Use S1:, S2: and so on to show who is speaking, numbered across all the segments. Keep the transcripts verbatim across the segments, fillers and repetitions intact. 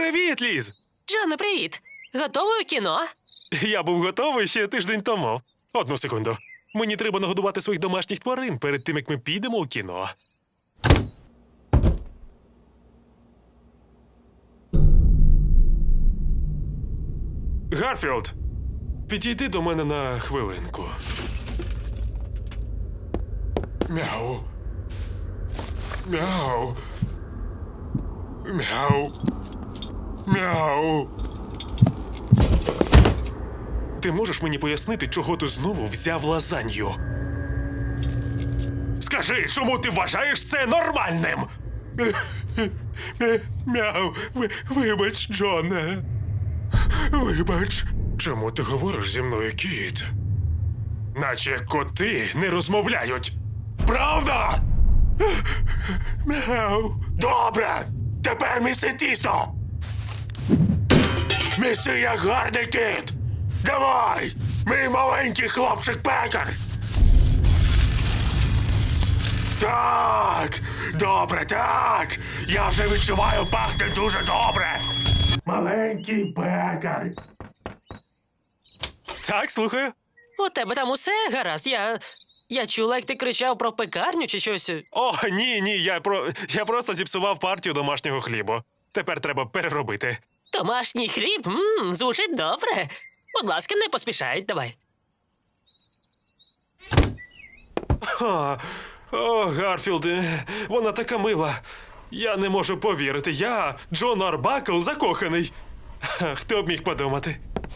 S1: Привіт, Ліз!
S2: Джоне, привіт! Готовий у кіно?
S1: Я був готовий ще тиждень тому. Одну секунду. Мені треба нагодувати своїх домашніх тварин перед тим, як ми підемо у кіно. Гарфілд, підійди до мене на хвилинку. Мяу. Мяу. Мяу. Мяу. Ти можеш мені пояснити, чого ти знову взяв лазанью? Скажи, чому ти вважаєш це нормальним? Мяу. Вибач, Джоне. Вибач. Чому ти говориш зі мною, кіт? Наче коти не розмовляють. Правда? Мяу. Добре. Тепер міси тісто. Міси як гарний кіт. Давай, мій маленький хлопчик-пекар. Так, добре, так. Я вже відчуваю, пахне дуже добре. Маленький пекар. Так, слухаю.
S2: У тебе там усе гаразд. Я. Я чула, як ти кричав про пекарню чи щось.
S1: О, ні, ні, я про я просто зіпсував партію домашнього хлібу. Тепер треба переробити.
S2: Домашній хліб? Ммм, звучить добре. Будь ласка, не поспішай, давай.
S1: О, о, Гарфілд, вона така мила. Я не можу повірити. Я, Джон Арбакл, закоханий. Хто б міг подумати?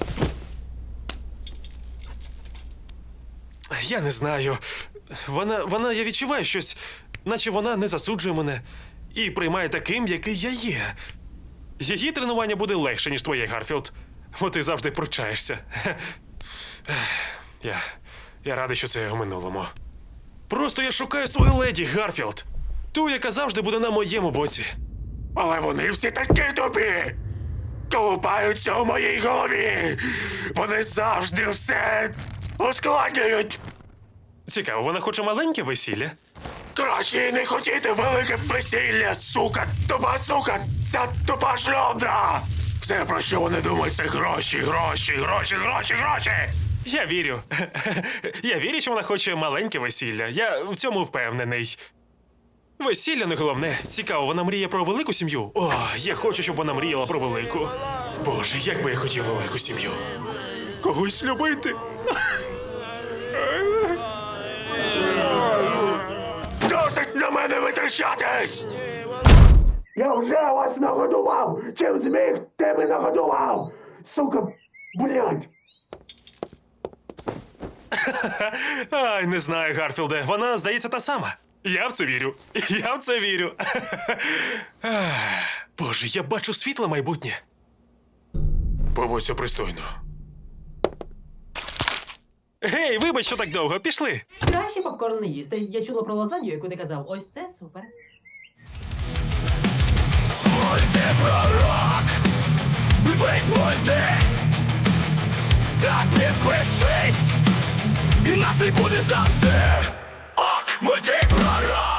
S1: Я не знаю. Вона, вона, я відчуваю щось, наче вона не засуджує мене і приймає таким, який я є. Її тренування буде легше, ніж твоє, Гарфілд. Бо ти завжди пручаєшся. Я, я радий, що це у минулому. Просто я шукаю свою леді, Гарфілд. Ту, яка завжди буде на моєму боці. Але вони всі такі тобі! Колупаються у моїй голові! Вони завжди все ускладнюють! Цікаво, вона хоче маленьке весілля? Краще не хотіти велике весілля, сука! Тупа сука! Ця тупа шльондра! Все, про що вони думають, це гроші, гроші, гроші, гроші, гроші! Я вірю. Я вірю, що вона хоче маленьке весілля. Я в цьому впевнений. Весілля не головне. Цікаво, вона мріє про велику сім'ю? О, я хочу, щоб вона мріяла про велику. Боже, як би я хотів велику сім'ю. Когось любити. Досить на мене витрачатись!
S3: Я вже вас нагодував! Чим зміг, тим і нагодував! Сука, блядь!
S1: Ай, не знаю, Гарфілде. Вона, здається, та сама. Я в це вірю. Я в це вірю. Боже, я бачу світле майбутнє. Поводься пристойно. Гей, вибач, що так довго. Пішли.
S4: Краще попкорн не їсти. Я чула про лазанью, яку ти казав. Ось це супер.
S5: Мультипророк, весь мульти, так підпишись, і нас не буде завжди. Ок, мультипророк.